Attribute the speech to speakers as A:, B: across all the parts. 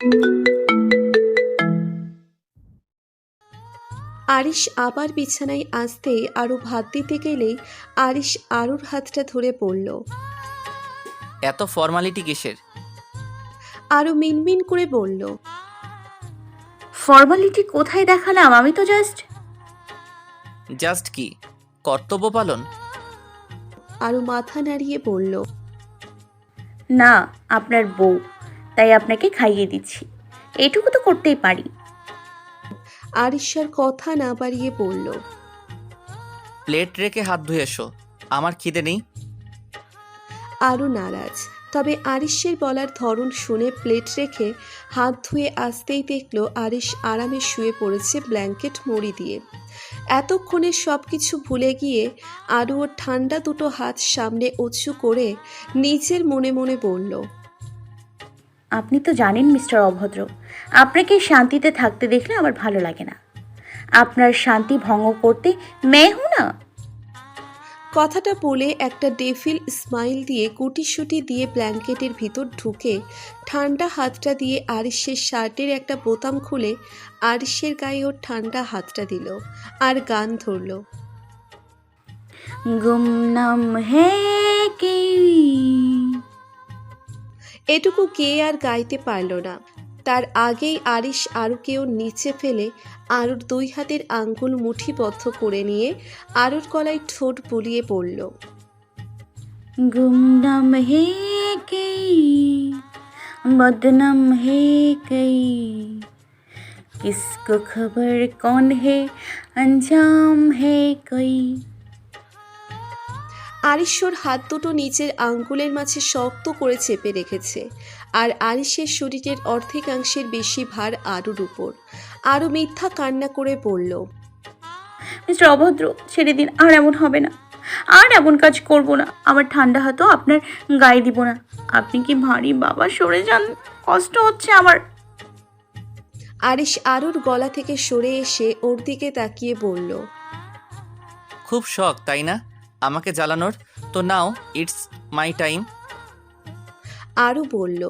A: আরিশ আবার বিছানায় আসতে আরু ভাত দিতে গেলেই আরিশ আরুর হাতটা ধরে পড়ল।
B: এত ফর্মালিটি কিসের?
A: আরু মিনমিন করে বলল,
C: ফর্মালিটি কোথায় দেখালাম? আমি তো জাস্ট
B: জাস্ট কি কর্তব্য পালন?
A: আরু মাথা নাড়িয়ে বলল,
C: না, আপনার বউ, তাই আপনাকে খাইয়ে দিচ্ছি। এইটুকু তো করতেই পারি।
A: আরিশার কথা না বাড়িয়ে বলল,
B: প্লেট রেখে হাত ধুয়ে এসো, আমার খিদে নেই।
A: আরু নারাজ। তবে আরিশের বলার ধরন শুনে প্লেট রেখে হাত ধুয়ে আসতেই দেখল আরিশ আরামে শুয়ে পড়েছে ব্ল্যাঙ্কেট মুড়ি দিয়ে। এতক্ষণে সব কিছু ভুলে গিয়ে আরু ওর ঠান্ডা দুটো হাত সামনে উঁচু করে নিজের মনে মনে বলল,
C: আপনি তো জানেন মিস্টার অভদ্র, আপনাকে শান্তিতে থাকতে দেখলে আমার ভালো লাগে না। আপনার শান্তি ভঙ্গ করতে মেয়ে হু না।
A: কথাটা বলে একটা ডেভিল স্মাইল দিয়ে গুটিসুটি দিয়ে ব্ল্যাঙ্কেটের ভিতর ঢুকে ঠান্ডা হাতটা দিয়ে আরিশের শার্টের একটা বোতাম খুলে আরিশের গায়ে ওর ঠান্ডা হাতটা দিল আর গান ধরল।
C: গুমনাম হে কি।
A: এটুকু গেয়ে আর গাইতে পারল না। তার আগেই আরিশ আরুকেও নিচে ফেলে আরুর দুই হাতের আঙ্গুল মুঠিবদ্ধ করে নিয়ে আরুর গলায় ঠোঁট বুলিয়ে পড়ল,
C: गुमनाम है कई, बदनाम है कई, किसको खबर कौन है, अंजाम है कोई।
A: আরিশর হাত দুটো নিচের আঙ্গুলের মাঝে শক্ত করে চেপে রেখেছে আর আরিশের শরীরের অর্ধেকাংশের বেশি ভার আরুর উপর। আরু মিথ্যা কান্না করে বলল,
C: মিস্টার অভদ্র, ছেড়ে দিন, আর এমন হবে না, আর এমন কাজ করব না। আমার ঠান্ডা হাতও আপনার গায়ে দিব না। আপনি কি ভারী বাবা, সরে যান, কষ্ট হচ্ছে আমার।
A: আরিশ আরুর গলা থেকে সরে এসে ওর দিকে তাকিয়ে বলল,
B: খুব শখ তাই না আমাকে জ্বালানোর? তো নাও, ইটস মাই টাইম।
A: আরু বলল,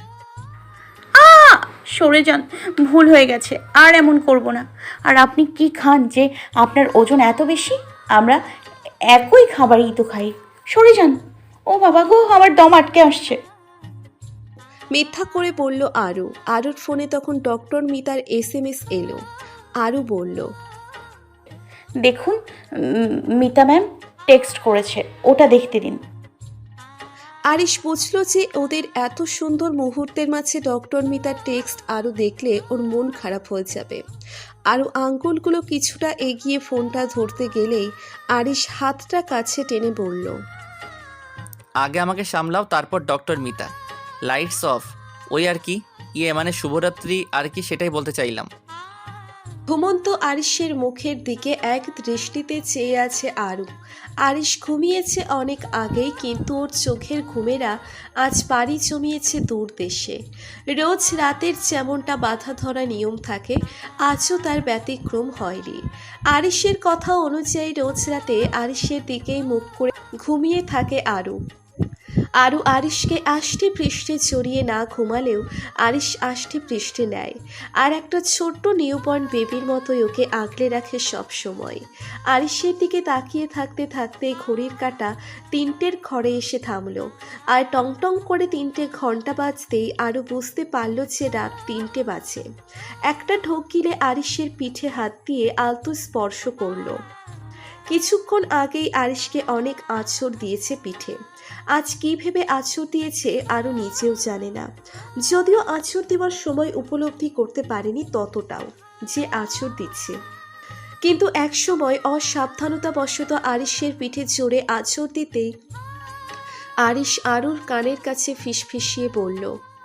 C: সরে যান, ভুল হয়ে গেছে, আর এমন করব না। আর আপনি কি খান যে আপনার ওজন এত বেশি? আমরা একই খাবারই তো খাই। সরে যান। ও বাবা গো, আমার দম আটকে আসছে।
A: মিথ্যা করে বলল আরু। আরুর ফোনে তখন ডক্টর মিতার SMS এলো। আরু বলল,
C: দেখুন, মিতা ম্যাম টেক্সট করেছে, ওটা দেখতে দিন।
A: আরিশ বুঝল যে ওদের এত সুন্দর মুহূর্তের মাঝে ডক্টর মিতার টেক্সট আরও দেখলে ওর মন খারাপ হয়ে যাবে। আরও আঙ্গুলগুলো কিছুটা এগিয়ে ফোনটা ধরতে গেলেই আরিশ হাতটা কাছে টেনে বলল,
B: আগে আমাকে সামলাও, তারপর ডক্টর মিতা। Lights off. ওই আর কি, মানে শুভরাত্রি আর কি, সেটাই বলতে চাইলাম।
A: ঘুমন্ত আরিশের মুখের দিকে এক দৃষ্টিতে চেয়ে আছে আরু। আরিশ ঘুমিয়েছে অনেক আগেই, কিন্তু ওর চোখের ঘুমেরা আজ পাড়ি জমিয়েছে দূর দেশে। রোজ রাতের যেমনটা বাধা ধরা নিয়ম থাকে, আজও তার ব্যতিক্রম হয়নি। আরিশের কথা অনুযায়ী রোজ রাতে আরিশের দিকেই মুখ করে ঘুমিয়ে থাকে আরু। আরু আরিশকে আষ্টে পৃষ্ঠে জড়িয়ে না ঘুমালেও আরিশ আষ্টে পৃষ্ঠে নেয়, আর একটা ছোট্ট নিউবর্ন বেবির মতোই ওকে আগলে রাখে সব সময়। আরিশের দিকে তাকিয়ে থাকতে থাকতে ঘড়ির কাঁটা 3টের ঘরে এসে থামলো, আর টং করে 3টে ঘন্টা বাজতেই আরু বুঝতে পারল যে রাত 3টে বাজে। একটা ঢোক গিলে আরিশের পিঠে হাত দিয়ে আলতো স্পর্শ করলো। কিছুক্ষণ আগেই আরিশকে অনেক আঁচড় দিয়েছে পিঠে। আজ কী ভেবে আঁচড় দিয়েছে আরও নিজেও জানে না, যদিও আঁচড় দেওয়ার সময় উপলব্ধি করতে পারেনি ততটাও যে আঁচড় দিচ্ছে। কিন্তু এক সময় অসাবধানতাবশত আরিশের পিঠে জোরে আঁচড় দিতেই আরিশ আরুর কানের কাছে ফিসফিসিয়ে বলল,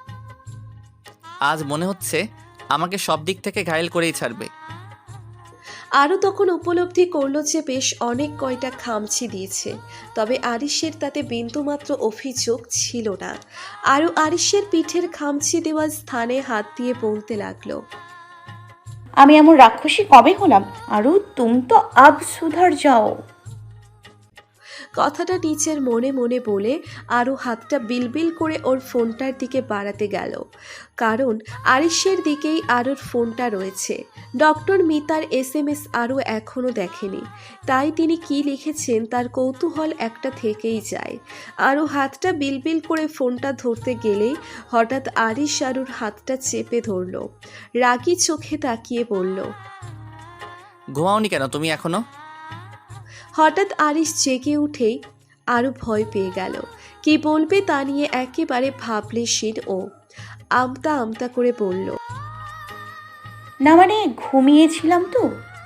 B: আজ মনে হচ্ছে আমাকে সব দিক থেকে ঘায়েল করেই ছাড়বে।
A: আরও তখন উপলব্ধি করল যে বেশ অনেক কয়টা খামচি দিয়েছে, তবে আরিশের তাতে বিন্দুমাত্র অভিযোগ ছিল না। আরও আরিশের পিঠের খামচি দেওয়া স্থানে হাত দিয়ে বলতে লাগলো,
C: আমি এমন রাক্ষসী কবে হলাম? আরু তুম তো আব সুধার যাও।
A: কথাটা নিচের মনে মনে বলে আরও হাতটা বিলবিল করে ওর ফোনটার দিকে বাড়াতে গেল, কারণ আরিশের দিকেই আরুর ফোনটা রয়েছে। ডক্টর মিতার SMS আরও এখনও দেখেনি, তাই তিনি কি লিখেছেন তার কৌতূহল একটা থেকেই যায়। আরও হাতটা বিলবিল করে ফোনটা ধরতে গেলেই হঠাৎ আরিশ আরুর হাতটা চেপে ধরল, রাগী চোখে তাকিয়ে বলল।
B: ঘুমাওনি কেন তুমি এখনো?
A: হঠাৎ আরিশ জেগে উঠেই আরও ভয় পেয়ে গেল। কি বলবে তা নিয়ে একেবারে ভাবলেশীন ও আমতা আমতা করে বলল।
C: না মানে ঘুমিয়েছিলাম তো।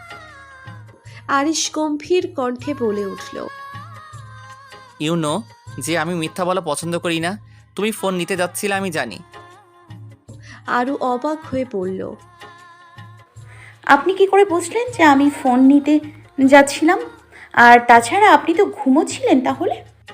A: আরিশ গম্ভীর কণ্ঠে বলে উঠল।
B: ইউ নো যে আমি মিথ্যা বলা পছন্দ করি না। তুমি ফোন নিতে যাচ্ছিলে আমি জানি।
A: আরও অবাক হয়ে বলল।
C: আপনি কি করে বুঝলেন যে আমি ফোন নিতে যাচ্ছিলাম? আর তাছাড়া আপনি তো ঘুমোচ্ছিলেন তাহলে।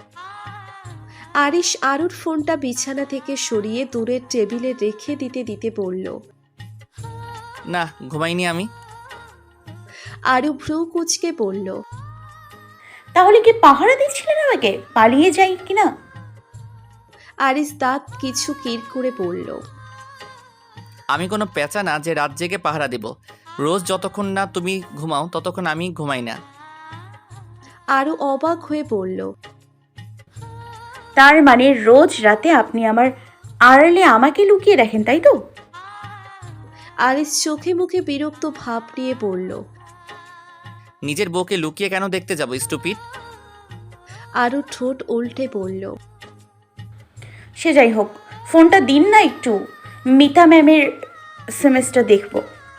A: আরিশ আরুর ফোনটা বিছানা থেকে সরিয়ে দূরের টেবিলে রেখে দিতে দিতে বলল।
B: না, ঘুমাইনি আমি।
A: আরু ভ্রু কুঁচকে বলল।
C: তাহলে কি পাহারা দিচ্ছিলেন আমাকে পালিয়ে যাই কিনা?
A: আরিশ দাঁত কিছু কির করে বলল।
B: আমি কোনো পেঁচা না যে রাত জেগে পাহারা দেব। রোজ যতক্ষণ না তুমি ঘুমাও ততক্ষণ আমি ঘুমাই না।
A: আরু অবাক হয়ে বলল।
C: তার মানে রোজ রাতে আপনি আমার আড়ালে আমাকে লুকিয়ে রাখেন, তাই তো?
A: আরিশ চোখে মুখে বিরক্ত ভাব নিয়ে বলল।
B: নিজের বউকে লুকিয়ে কেন দেখতে যাবো স্টুপিড?
A: আরু ঠোঁট উল্টে বলল।
C: সে যাই হোক, ফোনটা দিন না একটু, মিতা ম্যামের সেমেস্টার দেখব।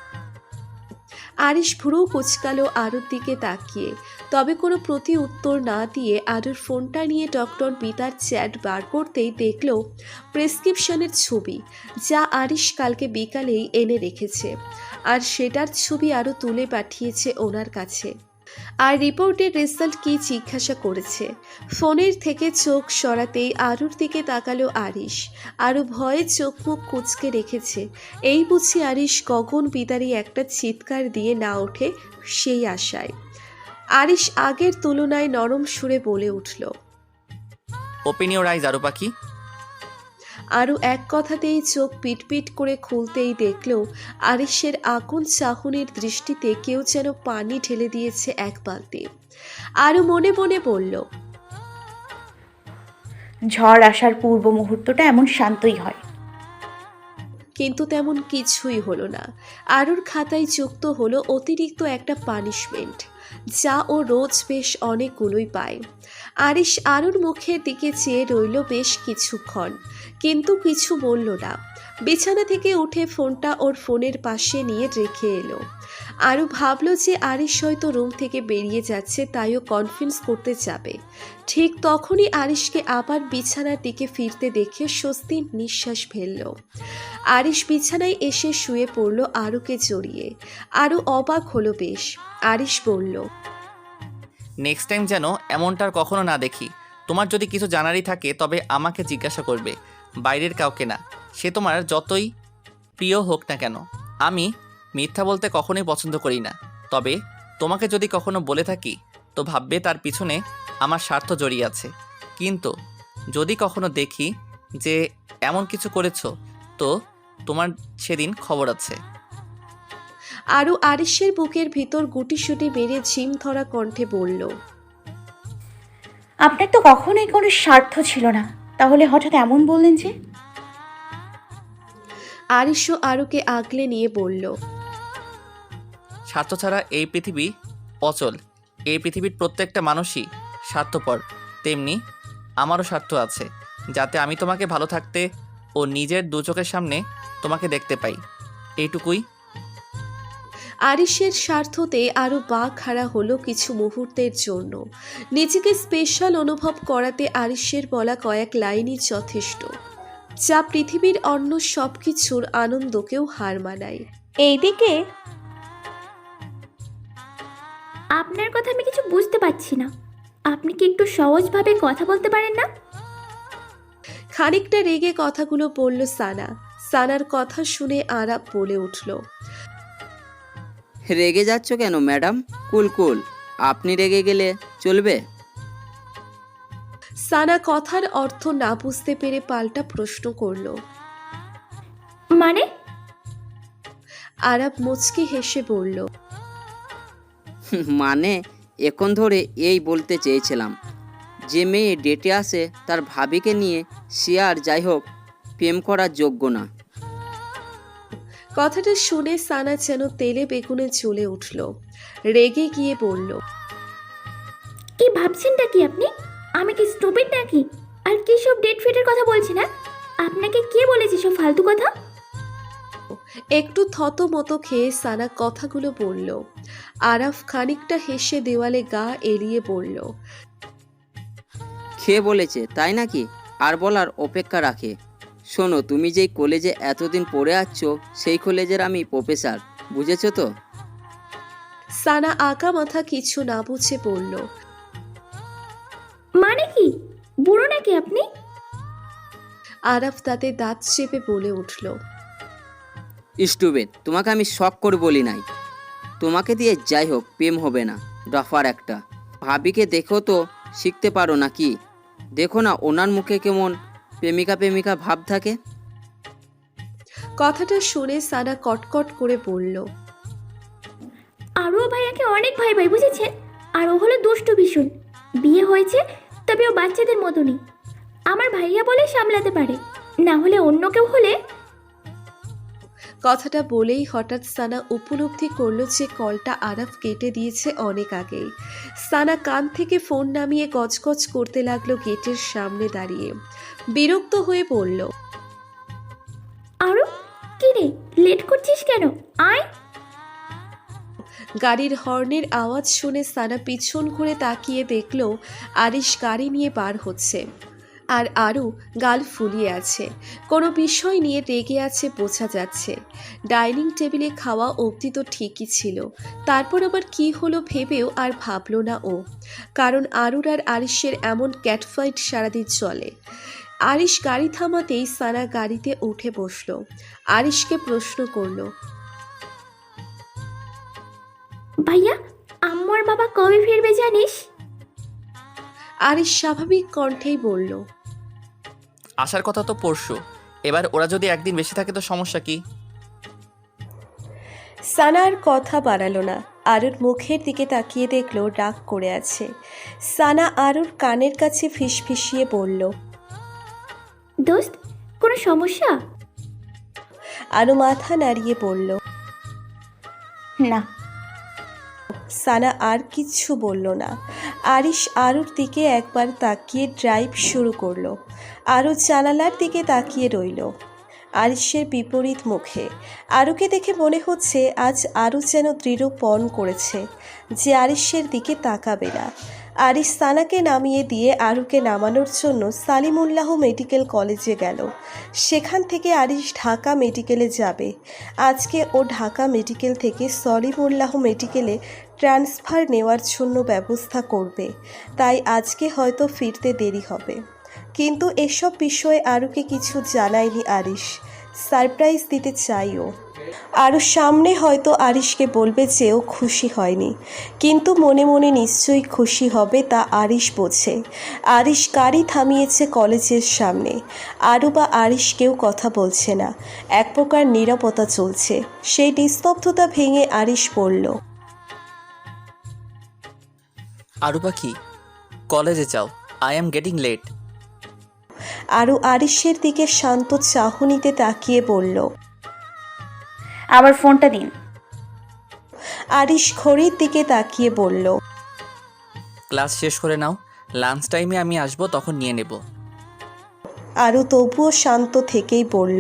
A: আরিশ ভ্রু কুচকালো আরুর দিকে তাকিয়ে, তবে কোনো প্রতি উত্তর না দিয়ে আরুর ফোনটা নিয়ে ডক্টর মিতার চ্যাট বার করতেই দেখল প্রেসক্রিপশনের ছবি, যা আরিশ কালকে বিকালেই এনে রেখেছে, আর সেটার ছবি আরও তুলে পাঠিয়েছে ওনার কাছে। আর রিপোর্টের রেজাল্ট কি জিজ্ঞাসা করেছে। ফোনের থেকে চোখ সরাতেই আরুর দিকে তাকালো আরিশ। আরও ভয়ে চোখ মুখ কুঁচকে রেখেছে। এই বুঝি আরিশ গগন বিদারী একটা চিৎকার দিয়ে না ওঠে সেই আশায়। আরিশ আগের তুলনায় নরম সুরে বলে উঠল।
B: ওপেন ইওর আইজ আরু পাখি।
A: আরও এক কথাতেই চোখ পিটপিট করে খুলতেই দেখল আরিশের আগুন চাহনির দৃষ্টিতে কেউ যেন পানি ঢেলে দিয়েছে এক বালতি। আরও মনে মনে বলল।
C: ঝড় আসার পূর্ব মুহূর্তটা এমন শান্তই হয়।
A: কিন্তু তেমন কিছুই হলো না। আরুর খাতায় যুক্ত হলো অতিরিক্ত একটা পানিশমেন্ট, যা ও রোজ বেশ অনেকগুলোই পায়। আরিশ আরুর মুখের দিকে চেয়ে রইল বেশ কিছুক্ষণ, কিন্তু কিছু বলল না। বিছানা থেকে উঠে ফোনটা ওর ফোনের পাশে নিয়ে রেখে এলো। আরু ভাবল যে আরিশ হয়তো রুম থেকে বেরিয়ে যাচ্ছে, তাইও কনফিডেন্স করতে যাবে। ঠিক তখনই আরিশকে আবার বিছানার দিকে ফিরতে দেখে স্বস্তির নিঃশ্বাস ফেলল। আরিশ বিছানায় এসে শুয়ে পড়ল আরুকে জড়িয়ে। আরু অবাক হলো বেশ। আরিশ বলল।
B: নেক্সট টাইম যেন এমনটার কখনো না দেখি। তোমার যদি কিছু জানারই থাকে তবে আমাকে জিজ্ঞাসা করবে, বাইরের কাউকে না, সে তোমার যতই প্রিয় হোক না কেন। আমি মিথ্যা বলতে কখনোই পছন্দ করি না, তবে তোমাকে যদি কখনো বলে থাকি তো ভাববে তার পিছনে আমার স্বার্থ জড়িয়ে আছে। কিন্তু যদি কখনো দেখি যে এমন কিছু করেছো তো তোমার সেদিন খবর আছে।
A: আরু আরিশের বুকের ভিতর গুটিসুটি মেরে ঝিম ধরা কণ্ঠে বলল।
C: আপনার তো কখনোই কোনো স্বার্থ ছিল না, তাহলে হঠাৎ এমন বললেন যে?
A: আরিশও আরুকে আগলে নিয়ে বলল।
B: স্বার্থ ছাড়া এই পৃথিবী অচল। এই পৃথিবীর প্রত্যেকটা মানুষই স্বার্থপর, তেমনি আমারও স্বার্থ আছে, যাতে আমি তোমাকে ভালো থাকতে ও নিজের দু চোখের সামনে তোমাকে দেখতে পাই, এইটুকুই।
A: আরিশের স্বার্থতে আরও পা খাড়া হলো কিছু মুহূর্তের জন্য। নিজেকে স্পেশাল অনুভব করাতে আরিশের বলা কয়েক লাইনই যথেষ্ট, যা পৃথিবীর অন্য সব কিছুর আনন্দকেও হার মানায়।
C: এইদিকে
D: আপনার কথা আমি কিছু বুঝতে পারছি না। আপনি কি একটু সহজভাবে কথা বলতে পারেন না?
A: খানিকটা রেগে কথাগুলো বলল সানা। সানার কথা শুনে আরাপ বলে উঠল।
E: রেগে যাচ্ছ কেন ম্যাডাম? কুল কুল, আপনি রেগে গেলে চলবে?
A: সানা কথার অর্থ না বুঝতে পেরে পাল্টা প্রশ্ন করল।
D: মানে?
A: আরাব মুচকি হেসে বলল,
E: মানে এখন ধরে এই বলতে চেয়েছিলাম, যে মেয়ে ডেটে আসে তার ভাবিকে নিয়ে সে আর যাই হোক প্রেম করার যোগ্য না।
A: কথাটা শুনে সানা যেন তেলে বেগুনে জ্বলে উঠল। রেগে গিয়ে বলল,
D: কি ভাবছেনটা কি আপনি? আমি কি স্টুপিড নাকি? আর কি সব ডেট ফেটের কথা বলছি না? আপনাকে কে বলেছে সব ফালতু কথা?
A: একটু থতমত খেয়ে সানা কথাগুলো বলল। আরাফ খানিকটা হেসে দেওয়ালে গা এলিয়ে বলল,
E: খেয়ে বলেছে তাই নাকি? আর বলার অপেক্ষা রাখে। শোনো, তুমি যেই কলেজে এতদিন পড়ে আসছো সেই কলেজের আমি প্রফেসর, বুঝেছো তো?
A: সানা আঁকা মাথা কিছু না বুঝে বলল,
D: মানে কি? বুড়ো নাকি আপনি?
A: আরাফ তাতে দাঁত চেপে বলে উঠল,
E: স্টুপিড, তোমাকে আমি শখ করে বলি নাই। তোমাকে দিয়ে যাই হোক প্রেম হবে না, ডফার একটা। ভাবিকে দেখো তো শিখতে পারো নাকি? দেখো না ওনার মুখে কেমন প্রেমিকা প্রেমিকা ভাব থাকে।
A: কথাটা শুনে সানা কটকট করে বলল,
D: আরও ভাইয়াকে অনেক ভাই ভাই বুঝেছেন? আর ও হলো দুষ্টু ভীষণ। বিয়ে হয়েছে তবে ও বাচ্চাদের মতনই। আমার ভাইয়া বলে সামলাতে পারে, না হলে অন্য কেউ হলে।
A: কথাটা বলেই হঠাৎ সানা উপলব্ধি করলো যে কলটা আরাফ কেটে দিয়েছে অনেক আগেই। সানা কান থেকে ফোন নামিয়ে গজগজ করতে লাগলো গেটের সামনে দাঁড়িয়ে। বিরক্ত হয়ে বলল,
D: আরও কি রে, লেট করছিস কেন? আয়।
A: গাড়ির হর্নের আওয়াজ শুনে সানা পিছন ঘুরে তাকিয়ে দেখলো আরিশ গাড়ি নিয়ে বার হচ্ছে। আর আরু গাল ফুলিয়ে আছে, কোনো বিষয় নিয়ে রেগে আছে বোঝা যাচ্ছে। ডাইনিং টেবিলে খাওয়া অবধি তো ঠিকই ছিল, তারপর আবার কি হলো ভেবেও আর ভাবলো না ও, কারণ আরুর আর আরিশের এমন ক্যাটফাইট সারাদিন চলে। আরিশ গাড়ি থামাতেই সানা গাড়িতে উঠে বসলো। আরিশকে প্রশ্ন করলো,
D: ভাইয়া, আম্মু আর বাবা কবে ফিরবে জানিস?
A: আরিশ স্বাভাবিক কণ্ঠেই বলল,
B: আসার কথা তো পরশু। এবার ওরা যদি একদিন বেশি থাকে তো সমস্যা কি?
A: সানা আর কথা বাড়ালো না। আরুর মুখের দিকে তাকিয়ে দেখলো রাগ করে আছে। সানা আরুর কানের কাছে ফিসফিসিয়ে বলল,
D: দোস্ত, কোনো সমস্যা?
A: আরু মাথা নাড়িয়ে বলল।
C: না।
A: সানা আর কিচ্ছু বলল না। আরিশ আরুর দিকে একবার তাকিয়ে ড্রাইভ শুরু করলো। আরু জানালার দিকে তাকিয়ে রইল আরিশের বিপরীত মুখে। আরুকে দেখে মনে হচ্ছে আজ আরু যেন দৃঢ় পণ করেছে যে আরিশের দিকে তাকাবে না। আরিশ সানাকে নামিয়ে দিয়ে আরুকে নামানোর জন্য সালিমুল্লাহ মেডিকেল কলেজে গেল। সেখান থেকে আরিশ ঢাকা মেডিকেলে যাবে। আজকে ও ঢাকা মেডিকেল থেকে সলিমুল্লাহ মেডিকেলে ট্রান্সফার নেওয়ার জন্য ব্যবস্থা করবে, তাই আজকে হয়তো ফিরতে দেরি হবে। কিন্তু এসব বিষয়ে আরুকে কিছু জানায়নি আরিশ। সারপ্রাইজ দিতে চাইও। আরও সামনে হয়তো আরিশকে বলবে যে ও খুশি হয়নি, কিন্তু মনে মনে নিশ্চয়ই খুশি হবে তা আরিশ বোঝে। আরিশ গাড়ি থামিয়েছে কলেজের সামনে। আরু বা আরিশ কেউ কথা বলছে না, এক প্রকার নীরবতা চলছে। সেই নিস্তব্ধতা ভেঙে আরিশ বলল,
B: আরু পাখি, কলেজে যাও, I am getting late.
A: Aru আরিশের দিকে শান্ত চাহনিতে তাকিয়ে বলল,
C: আবার ফোনটা দিন।
A: আরিশ ঘড়ির দিকে তাকিয়ে বলল,
B: ক্লাস শেষ করে নাও, লাঞ্চ টাইমে আমি আসবো, তখন নিয়ে নেব।
A: আরু তবুও শান্ত থেকেই বলল,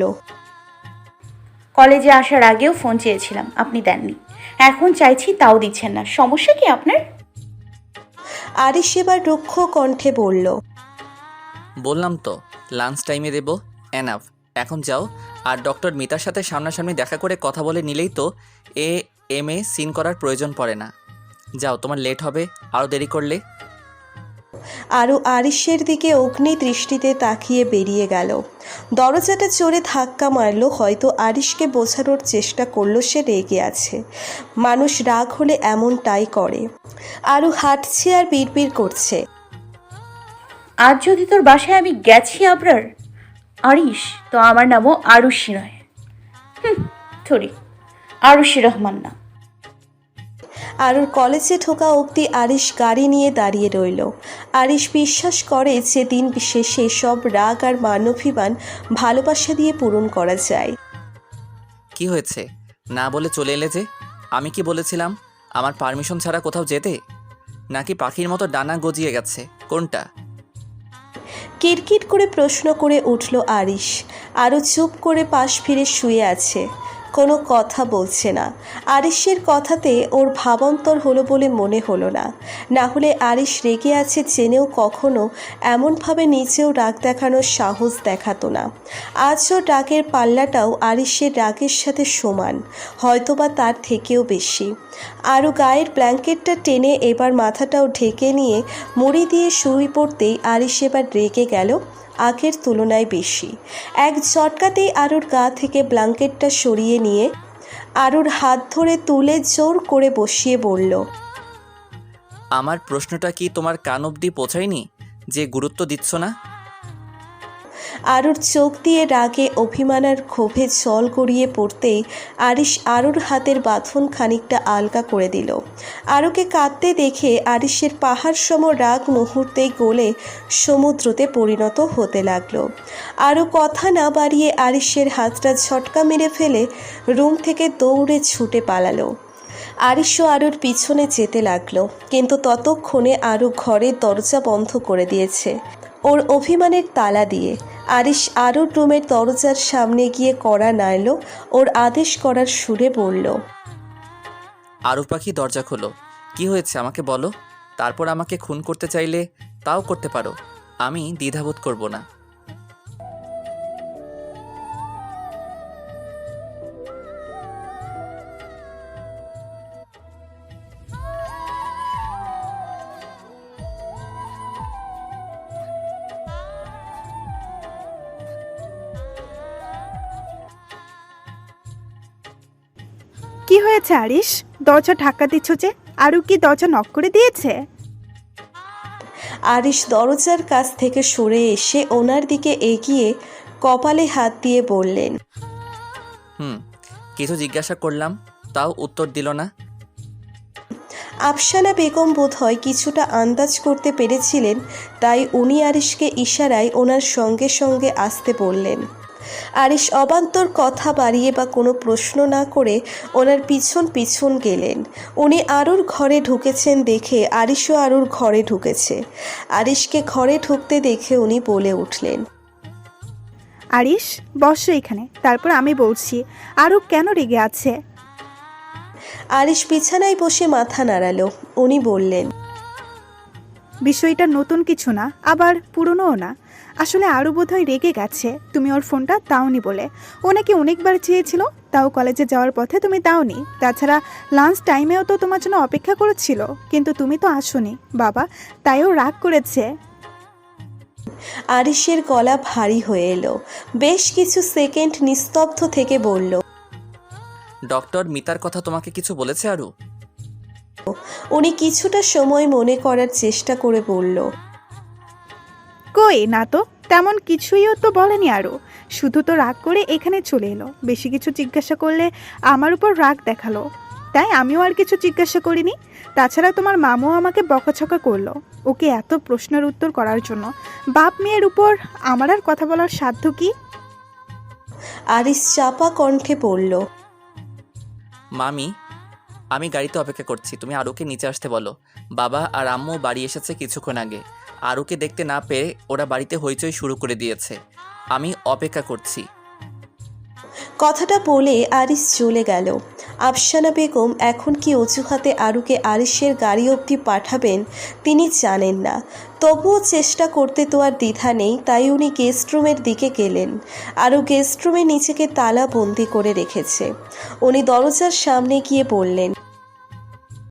C: কলেজে আসার আগেও ফোন চেয়েছিলাম, আপনি দেননি। এখন চাইছি তাও দিচ্ছেন না, সমস্যা কি আপনার?
A: আরিশ এবার রুক্ষ কণ্ঠে বলল,
B: বললাম তো লাঞ্চ টাইমে দেব, এনাফ। এখন যাও, আর ডক্টর মিতার সাথে সামনাসামনি দেখা করে কথা বলে নিলেই তো এম এ সিন করার প্রয়োজন পড়ে না। যাও, তোমার লেট হবে আরও দেরি করলে।
A: আরু আরিশের দিকে অগ্নি দৃষ্টিতে তাকিয়ে বেরিয়ে গেল। দরজাটা চড়ে ধাক্কা মারল, হয়তো আরিশকে বোঝানোর চেষ্টা করলো সে রেগে আছে। মানুষ রাগ হলে এমনটাই করে। আরু হাঁটছে আর বিড়বিড় করছে,
C: আজ যদি তোর বাসায় আমি গেছি আবরার আরিশ, তো আমার নামও আরুষি নয়। সরি, আরুষি রহমান না।
A: আরুর কলেজে ঢোকা অবধি আরিশ গাড়ি নিয়ে দাঁড়িয়ে রইল। আরিশ বিশ্বাস করে যে দিন শেষে সব রাগ আর মানবাভিমান ভালোবাসা দিয়ে পূরণ করা যায়।
B: কি হয়েছে? না বলে চলে এলে যে? আমি কি বলেছিলাম আমার পারমিশন ছাড়া কোথাও যেতে? নাকি পাখির মতো ডানা গজিয়ে গেছে? কোনটা?
A: কিরকির করে প্রশ্ন করে উঠল আরিশ। আরও চুপ করে পাশ ফিরে শুয়ে আছে, কোনো কথা বলছে না। আরিশের কথাতে ওর ভাবান্তর হলো বলে মনে হলো না। না হলে আরিশ রেগে আছে জেনেও কখনো এমনভাবে নিজেও রাগ দেখানোর সাহস দেখাতো না। আজও রাগের পাল্লাটাও আরিশের রাগের সাথে সমান, হয়তোবা তার থেকেও বেশি। আরও গায়ের ব্ল্যাঙ্কেটটা টেনে এবার মাথাটাও ঢেকে নিয়ে মুড়ি দিয়ে শুয়ে পড়তেই আরিশ এবার রেগে গেল আগের তুলনায় বেশি। এক ঝটকাতেই আরুর গা থেকে ব্ল্যাঙ্কেটটা সরিয়ে নিয়ে আরুর হাত ধরে তুলে জোর করে বসিয়ে বলল,
B: আমার প্রশ্নটা কি তোমার কান অবধি পৌঁছায়নি যে গুরুত্ব দিচ্ছ না?
A: আরুর চোখ দিয়ে রাগে অভিমান আর ক্ষোভে জল গড়িয়ে পড়তেই আরিশ আরুর হাতের বাঁধন খানিকটা আলগা করে দিল। আরুকে কাঁদতে দেখে আরিশের পাহাড় সম রাগ মুহূর্তেই গলে সমুদ্রতে পরিণত হতে লাগলো। আরু কথা না বাড়িয়ে আরিশের হাতটা ঝটকা মেরে ফেলে রুম থেকে দৌড়ে ছুটে পালালো। আরিশও আরুর পিছনে যেতে লাগলো, কিন্তু ততক্ষণে আরু ঘরের দরজা বন্ধ করে দিয়েছে ওর অভিমানের তালা দিয়ে। আরিশ আরুর রুমের দরজার সামনে গিয়ে কড়া নাড়ল, ওর আদেশ করার সুরে বলল,
B: আরু পাখি দরজা খোলো। কি হয়েছে আমাকে বলো। তারপর আমাকে খুন করতে চাইলে তাও করতে পারো, আমি দ্বিধাবোধ করব না।
F: কি হয়েছে আরিশ? দরজা ধাক্কা দিচ্ছ যে? আরু কি দরজা নক করে দিয়েছে?
A: আরিশ দরজার কাছ থেকে সরে এসে ওনার দিকে এগিয়ে কপালে হাত দিয়ে বললেন,
B: কিছু জিজ্ঞাসা করলাম, তাও উত্তর দিল না।
A: আফসানা বেগম বোধহয় কিছুটা আন্দাজ করতে পেরেছিলেন, তাই উনি আরিশকে ইশারায় ওনার সঙ্গে সঙ্গে আসতে বললেন। আরিশ অবান্তর কথা বাড়িয়ে বা কোনো প্রশ্ন না করে ওনার পিছন পিছন গেলেন। উনি আরুর ঘরে ঢুকেছেন দেখে আরিশও আরুর ঘরে ঢুকেছে। আরিশকে ঘরে ঢুকতে দেখে উনি বলে উঠলেন,
F: আরিশ বসো এখানে, তারপর আমি বলছি আরু কেন রেগে আছে।
A: আরিশ বিছানায় বসে মাথা নাড়ালো। উনি বললেন,
F: বিষয়টা নতুন কিছু না, আবার পুরনোও না। আসলে আরু বোধহয় রেগে গেছে তুমি ওর ফোনটা দাওনি বলে। ও নাকি অনেকবার চেয়েছিল, তাও কলেজে যাওয়ার পথে তুমি দাওনি। তাছাড়া লাঞ্চ টাইমেও তো তোমার জন্য অপেক্ষা করেছিল, কিন্তু তুমি তো আসোনি বাবা, তাই ও রাগ করেছে।
A: আরিশের গলা ভারী হয়ে এলো। বেশ কিছু সেকেন্ড নিস্তব্ধ থেকে বলল,
B: ডক্টর মিতার কথা তোমাকে কিছু বলেছে আরু?
A: উনি কিছুটা সময় মনে করার চেষ্টা করে বলল,
F: কই না তো, তেমন কিছুইও তো বলেনি আরু। শুধু তো রাগ করে এখানে চলে এলো। বেশি কিছু জিজ্ঞাসা করলে আমার উপর রাগ দেখালো, তাই আমিও আর কিছু জিজ্ঞাসা করিনি। তাছাড়া তোমার মামুও আমাকে বকাছকা করলো ওকে এত প্রশ্নের উত্তর করার জন্য। বাপ মেয়ের উপর আমার আর কথা বলার সাধ্য কি?
A: আরিশ চাপা কণ্ঠে বলল,
B: মামি, আমি গাড়িতে অপেক্ষা করছি, তুমি আরুকে নিচে আসতে বলো। বাবা আর আম্মু বাড়ি এসেছে কিছুক্ষণ আগে। আরুকে দেখতে না পেয়ে ওরা বাড়িতে হইচই শুরু করে দিয়েছে। আমি অপেক্ষা করছি।
A: কথাটা বলে আরিশ চলে গেল। আফসানা বেগম এখন কি অজুহাতে আরুকে আরিশের গাড়ি অবধি পাঠাবেন তিনি জানেন না, তবুও চেষ্টা করতে তো আর দ্বিধা নেই। তাই উনি গেস্ট রুমের দিকে গেলেন। আরু গেস্ট রুমে নিজেকে তালা বন্দি করে রেখেছে। উনি দরজার সামনে গিয়ে বললেন,